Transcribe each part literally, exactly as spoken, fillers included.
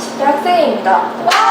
이십 대 학생입니다.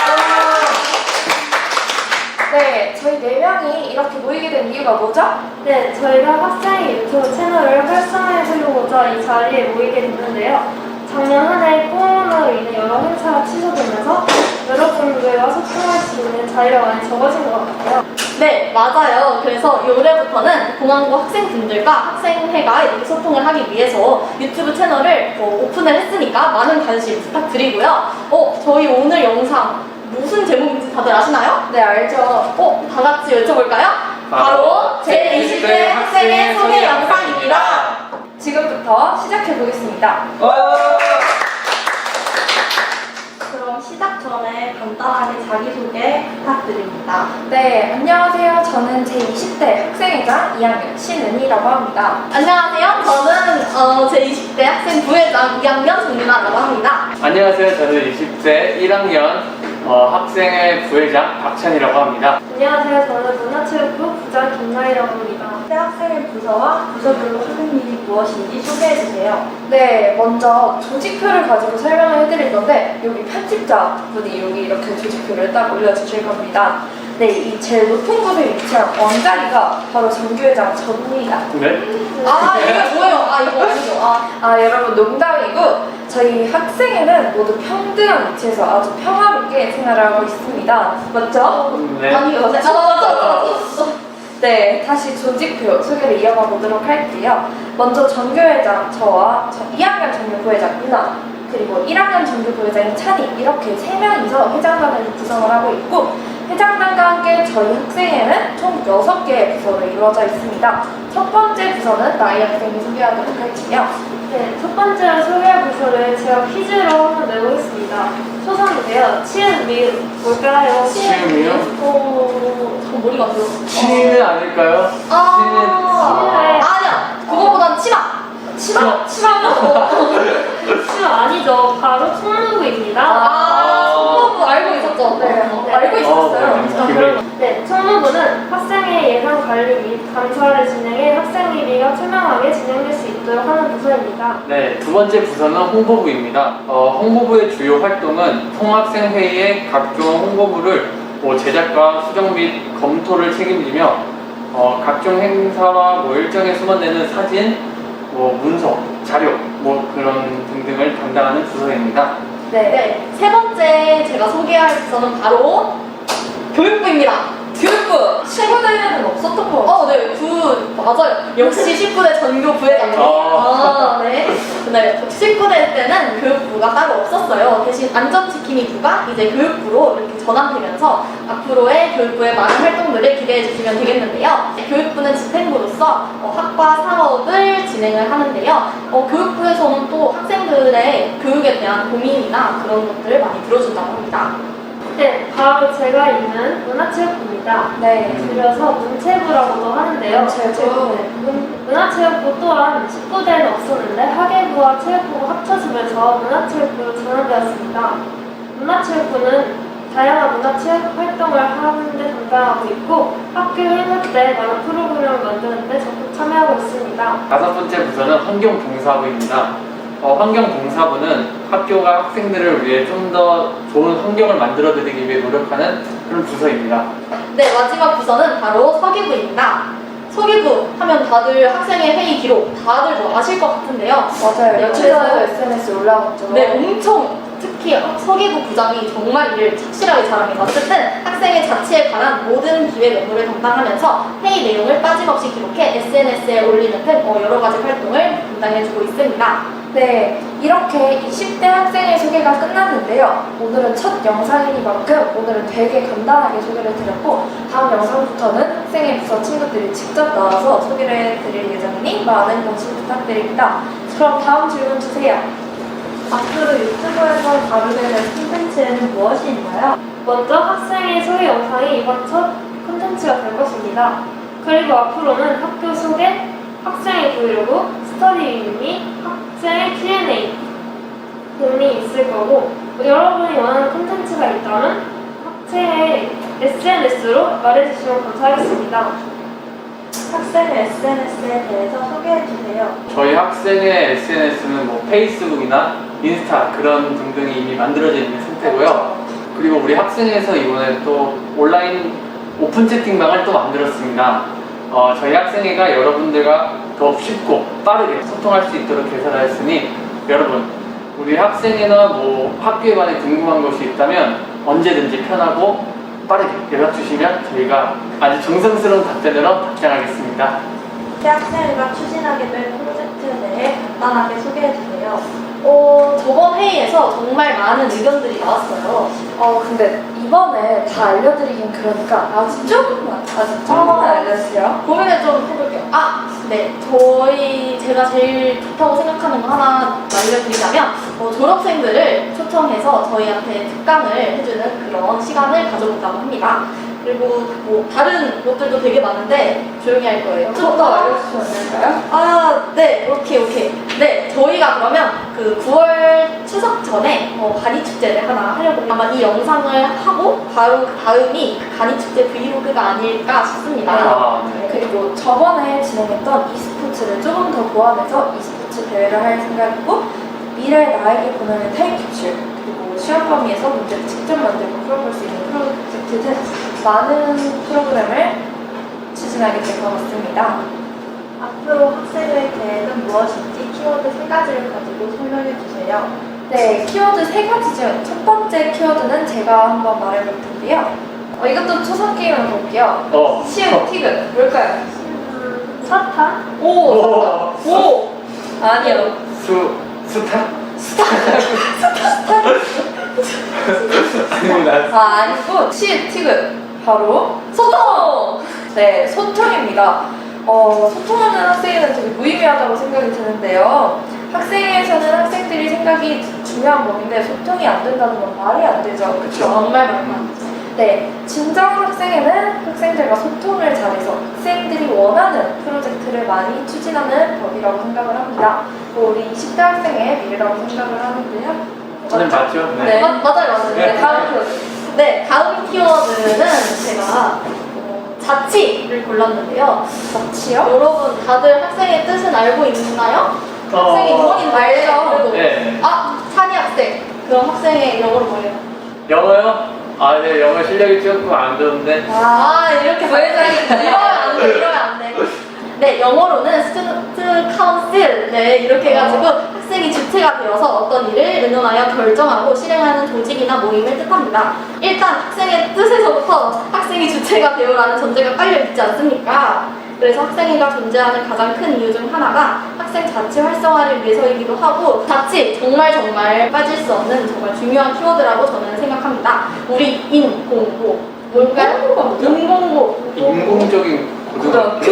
네, 저희 네 명이 이렇게 모이게 된 이유가 뭐죠? 네, 저희가 학생의 유튜브 채널을 활성화해보고자 이 자리에 모이게 됐는데요. 작년 한 해 코로나로 인해 여러 행사가 취소되면서 여러분들과 소통할 수 있는 자리가 많이 적어진 것 같아요. 네, 맞아요. 그래서 올해부터는 공항고 학생분들과 학생회가 이렇게 소통을 하기 위해서 유튜브 채널을 어, 오픈을 했으니까 많은 관심 부탁드리고요. 어, 저희 오늘 영상 무슨 제목인지 다들 아시나요? 네, 알죠. 어, 다 같이 외쳐볼까요? 바로 제이십 대 학생의 소개 영상입니다. 지금부터 시작해 보겠습니다. 그럼 시작 전에 간단하게 자기소개 부탁드립니다. 네, 안녕하세요. 저는 제이십 대 학생회장 이 학년 신은희라고 합니다. 안녕하세요. 저는 어, 제이십 대 학생 부회장 이 학년 정민아라고 합니다. 안녕하세요. 저는 이십 대 일 학년 어, 학생회 부회장 박찬이라고 합니다. 안녕하세요. 저는 문화체육부 부장 김나희라고 합니다. 학생회 부서와 부서별로 하는 일이 무엇인지 소개해주세요. 네, 먼저 조직표를 가지고 설명을 해드릴 건데 여기 편집자분이 여기 이렇게 조직표를 딱 올려주실 겁니다. 네, 이 제일 높은 곳에 위치한 왕자리가 바로 정규회장 저입니다. 네? 아, 이게 뭐예요? 아, 이거 아니죠. 아, 아, 여러분 농담이고 저희 학생회는 모두 평등한 위치에서 아주 평화롭게 생활을 하고 있습니다. 맞죠? 네. 아니, 이거 아, 맞아, 맞아, 맞아. 네, 다시 조직표 소개를 이어가 보도록 할게요. 먼저 정규회장 저와 이 학년 정규부회장 누나, 그리고 일 학년 정규부회장인 찬이, 이렇게 세 명이서 회장단을 구성을 하고 있고, 회장단과 함께 저희 학생회는 총 여섯 개의 부서로 이루어져 있습니다. 첫 번째 부서는 나이 학생이 소개하도록 할게요. 네, 첫 번째로 소개할 부서를 제가 퀴즈로 한번 내보겠습니다. 초성인데요. 치읓, 미읒 뭘까요? 치읓이요? 어, 전 머리가 안 들어. 신은 아닐까요? 아, 신은. 아니야. 그거보단 치마. 치마! 치마는 치읓 아니죠. 바로 총무부입니다. 아, 총무부 알고 있었죠? 네, 네. 알고 있었어요. 어, 네. 네, 총무부는 학생의 예산 관리 및 감사를 진행해 학생 일위가 투명하게 진행될 수 있도록 하는 부서입니다. 네, 두 번째 부서는 홍보부입니다. 어, 홍보부의 주요 활동은 통학생회의 각종 홍보물을 뭐 제작과 수정 및 검토를 책임지며 어, 각종 행사와 뭐 일정에 수반되는 사진, 뭐 문서, 자료, 뭐 그런 등등을 담당하는 부서입니다. 네. 네, 세 번째 제가 소개할 부서는 바로 교육부입니다. 교육부! 친구대회는 없었던 거 같아요. 어, 네, 그, 맞아요. 역시 십구 대 전교 부회장님. 어. 아, 네. 네, 십구 대 때는 교육부가 따로 없었어요. 대신 안전지킴이부가 이제 교육부로 이렇게 전환되면서 앞으로의 교육부의 많은 활동들을 기대해 주시면 되겠는데요. 교육부는 집행부로서 어, 학과 사업을 진행을 하는데요. 어, 교육부에서는 또 학생들의 교육에 대한 고민이나 그런 것들을 많이 들어준다고 합니다. 네, 바로 제가 있는 문화체육부입니다. 네. 줄여서 문체부라고도 하는데요. 문체부. 네, 문, 문화체육부 또한 십구 대는 없었는데 학예부와 체육부가 합쳐지면서 문화체육부로 전환되었습니다. 문화체육부는 다양한 문화체육 활동을 하는데 담당하고 있고 학교 행사 때 많은 프로그램을 만드는데 적극 참여하고 있습니다. 다섯 번째 부서는 환경봉사부입니다. 어, 환경봉사부는 학교가 학생들을 위해 좀 더 좋은 환경을 만들어드리기 위해 노력하는 그런 부서입니다. 네, 마지막 부서는 바로 서기부입니다. 서기부 하면 다들 학생의 회의 기록 다들 뭐 아실 것 같은데요. 맞아요. 네, 며칠 전에 그래서- 에스엔에스에 올라갔죠. 네, 엄청 특히 서기부 부장이 정말 일을 착실하게 잘합니다. 어쨌든 학생의 자치에 관한 모든 기획 업무를 담당하면서 회의 내용을 빠짐없이 기록해 에스엔에스에 올리는 등 어, 여러 가지 활동을 담당해주고 있습니다. 네, 이렇게 이십 대 학생의 소개가 끝났는데요. 오늘은 첫 영상이니만큼 오늘은 되게 간단하게 소개를 드렸고 다음 영상부터는 학생의 부서 친구들이 직접 나와서 소개를 해드릴 예정이니 많은 관심 부탁드립니다. 그럼 다음 질문 주세요. 앞으로 유튜브에서 다루게 콘텐츠에는 무엇이 있나요? 먼저 학생의 소개 영상이 이번 첫 콘텐츠가 될 것입니다. 그리고 앞으로는 학교 소개, 학생의 브이로그, 스터디 및 학생의 큐 앤 에이 등이 있을 거고 여러분이 원하는 콘텐츠가 있다면 학생의 에스엔에스로 말해주시면 감사하겠습니다. 학생의 에스엔에스에 대해서 소개해주세요. 저희 학생의 에스엔에스는 뭐 페이스북이나 인스타 그런 등등이 이미 만들어져 있는 상태 상태고요. 그리고 우리 학생회에서 이번에 또 온라인 오픈 채팅방을 또 만들었습니다. 어, 저희 학생회가 여러분들과 더 쉽고 빠르게 소통할 수 있도록 개설하였으니 여러분 우리 학생회나 뭐 학교에 관해 궁금한 것이 있다면 언제든지 편하고 빠르게 연락 주시면 저희가 아주 정성스러운 답변으로 답장하겠습니다. 대학생회가 추진하게 될 프로젝트에 대해 간단하게 소개해 주세요. 어, 저번 회의에서 정말 많은 의견들이 나왔어요. 어 근데 이번에 다 알려드리긴 그러니까 아주 조금만 아주 조금만 알려주세요. 고민을 좀 해볼게요. 아, 네. 저희, 제가 제일 좋다고 생각하는 거 하나 알려드리자면, 어, 졸업생들을 초청해서 저희한테 특강을 해주는 그런 시간을 가져본다고 합니다. 그리고 뭐, 다른 것들도 되게 많은데, 조용히 할 거예요. 좀 더 알려주시면 안 될까요? 아, 네. 오케이, 오케이. 네. 저희가 그러면 그 구월 추석 전에 어, 가니축제를 하나 하려고 아마 이 영상을 하고 바로 그 다음이 그 가니축제 브이로그가 아닐까 싶습니다. 아, 네. 그리고 저번에 진행했던 e스포츠를 조금 더 보완해서 e스포츠 대회를 할 생각이고 미래 나에게 보내는 타임캡슐 그리고 시험 범위에서 문제를 직접 만들고 풀어볼 수 있는 프로젝트 등 많은 프로그램을 추진하게 될 것 같습니다. 앞으로 학생의 계획은 무엇인지 키워드 세 가지를 가지고 설명해 주세요. 네, 키워드 세 가지 중 첫 번째 키워드는 제가 한번 말해볼 텐데요. 어, 이것도 초성 게임으로 볼게요. 어. 시읒 티귿 뭘까요? 음, 사탕? 오! 오. 오! 아니요. 수 수타 아닙니다. 아, 아니고 시읒 티귿 바로 소통! 네, 소통입니다. 어, 소통하는 학생에는 되게 무의미하다고 생각이 드는데요. 학생회에서는 학생들이 생각이 중요한 법인데 소통이 안 된다는 건 말이 안 되죠. 그렇죠? 정말 많아. 네, 진정 학생회는 학생들과 소통을 잘해서 학생들이 원하는 프로젝트를 많이 추진하는 법이라고 생각을 합니다. 뭐 우리 이십 대 학생의 미래라고 생각을 하는데요. 저는 맞죠? 네. 맞, 맞아요, 맞아요. 네, 다음 키워드. 네, 다음 키워드는 제가 어, 자치를 골랐는데요. 자치요? 여러분 다들 학생의 뜻은 알고 있나요? 어. 학생이 영어인 알죠. 그래도. 네. 아, 찬이 학생. 그럼 학생의 영어로 뭐예요? 영어요? 아, 네, 영어 실력이 조금 안 좋은데. 아, 이렇게 부회장이 이러면 안 돼, 이러면 안 돼. 네, 영어로는 스튜던트 카운슬, 네, 이렇게 해가지고 학생이 주체가 되어서 어떤 일을 의논하여 결정하고 실행하는 조직이나 모임을 뜻합니다. 일단 학생의 뜻에서부터 학생이 주체가 되어라는 전제가 깔려있지 않습니까? 그래서 학생회가 존재하는 가장 큰 이유 중 하나가 학생 자치 활성화를 위해서이기도 하고 자치 정말 정말 빠질 수 없는 정말 중요한 키워드라고 저는 생각합니다. 우리 인공고 뭘까요? 인공고 인공적인 고등학교.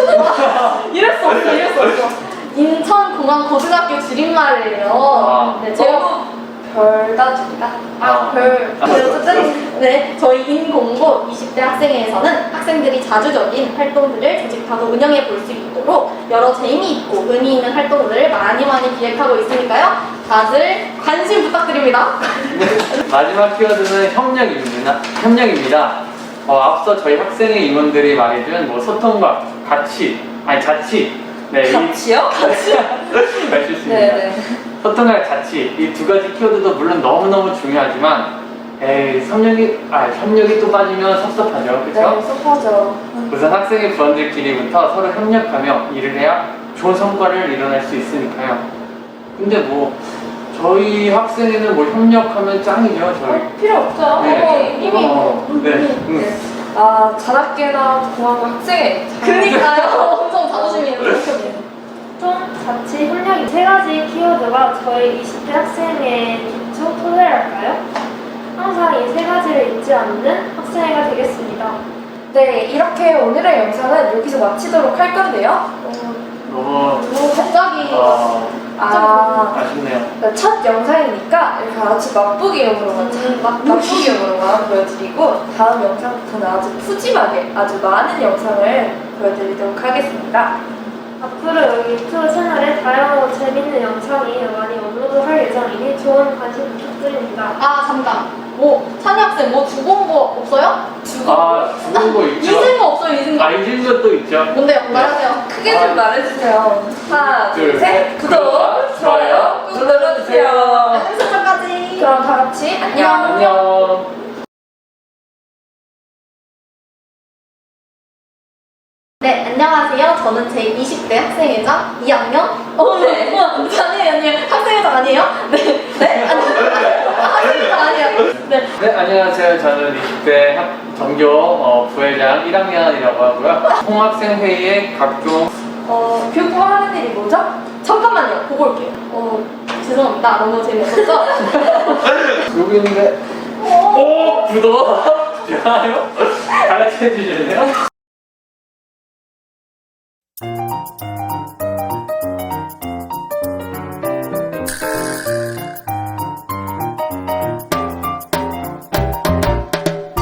이럴 수 없어, 이럴 수 없어. 인천공항고등학교 줄임말이에요. 아. 네, 제가 별다집니다. 아, 별. 네, 어쨌든, 네, 저희 인공고 이십 대 학생회에서는 학생들이 자주적인 활동들을 조직하고 운영해 볼 수 있도록 여러 재미있고 의미 있는 활동들을 많이 많이 기획하고 있으니까요. 다들 관심 부탁드립니다. 마지막 키워드는 협력입니다. 협력입니다. 어, 앞서 저희 학생의 임원들이 말해준 뭐 소통과 가치, 아니 자치, 네, 이- 같이요? 네, 실수입니다. 네네. 소통과 가치 이 두 가지 키워드도 물론 너무 너무 중요하지만, 에이 협력이 아 협력이 또 빠지면 섭섭하죠, 네, 그렇죠? 섭하죠. 우선 학생의 부원들끼리부터 서로 협력하며 일을 해야 좋은 성과를 이뤄낼 수 있으니까요. 근데 뭐 저희 학생회는 뭐 협력하면 짱이죠, 저희. 어, 필요 없죠. 네. 어, 이미 어, 네. 음. 네. 아, 자납게나 공항고 학생회. 그니까요. 엄청 자부심이 있는 총 자치 협력 세 가지 키워드가 저희 이십 대 학생의 기초 토대랄까요? 항상 이 세 가지를 잊지 않는 학생회가 되겠습니다. 네, 이렇게 오늘의 영상은 여기서 마치도록 할 건데요. 너무 뭐 갑자기 어, 아, 아쉽네요. 네, 첫 영상이니까 이렇게 아주 맛보기용으로만, 음, 맛- 맛보기용으로만 보여드리고 다음 영상부터는 아주 푸짐하게 아주 많은 영상을 보여드리도록 하겠습니다. 앞으로 여기 유튜브 채널에 다양하고 재밌는 영상이 많이 업로드할 예정이니 좋은 관심 부탁드립니다. 아 잠깐. 뭐 찬이 학생 뭐 죽은 거 없어요? 아, 죽은 거 있죠? 잊은 거 없어요, 잊은 거. 아, 잊은 것도 있죠. 뭔데요? 말하세요. 크게 좀 말해주세요. 하나, 둘, 둘, 셋. 구독, 좋아요 꾹 눌러주세요. 알림 설정까지. 그럼 다 같이 안녕. 안녕. 네, 안녕하세요. 저는 제이십 대 학생회장 이 학년. 어, 네. 아니에요, 아니에요. 학생회장 아니에요? 네, 네, 아니, 아, 학생회장 아니에요. 네, 네, 안녕하세요. 저는 이십 대 학- 전교 어, 부회장 일 학년이라고 하고요. 통학생회의 각종 어, 교육부가 하는 일이 뭐죠? 잠깐만요. 보고 올게요. 어, 죄송합니다. 너무 재미없었죠? 여기 있는데 오 구독 좋아요 가르쳐 주실래요?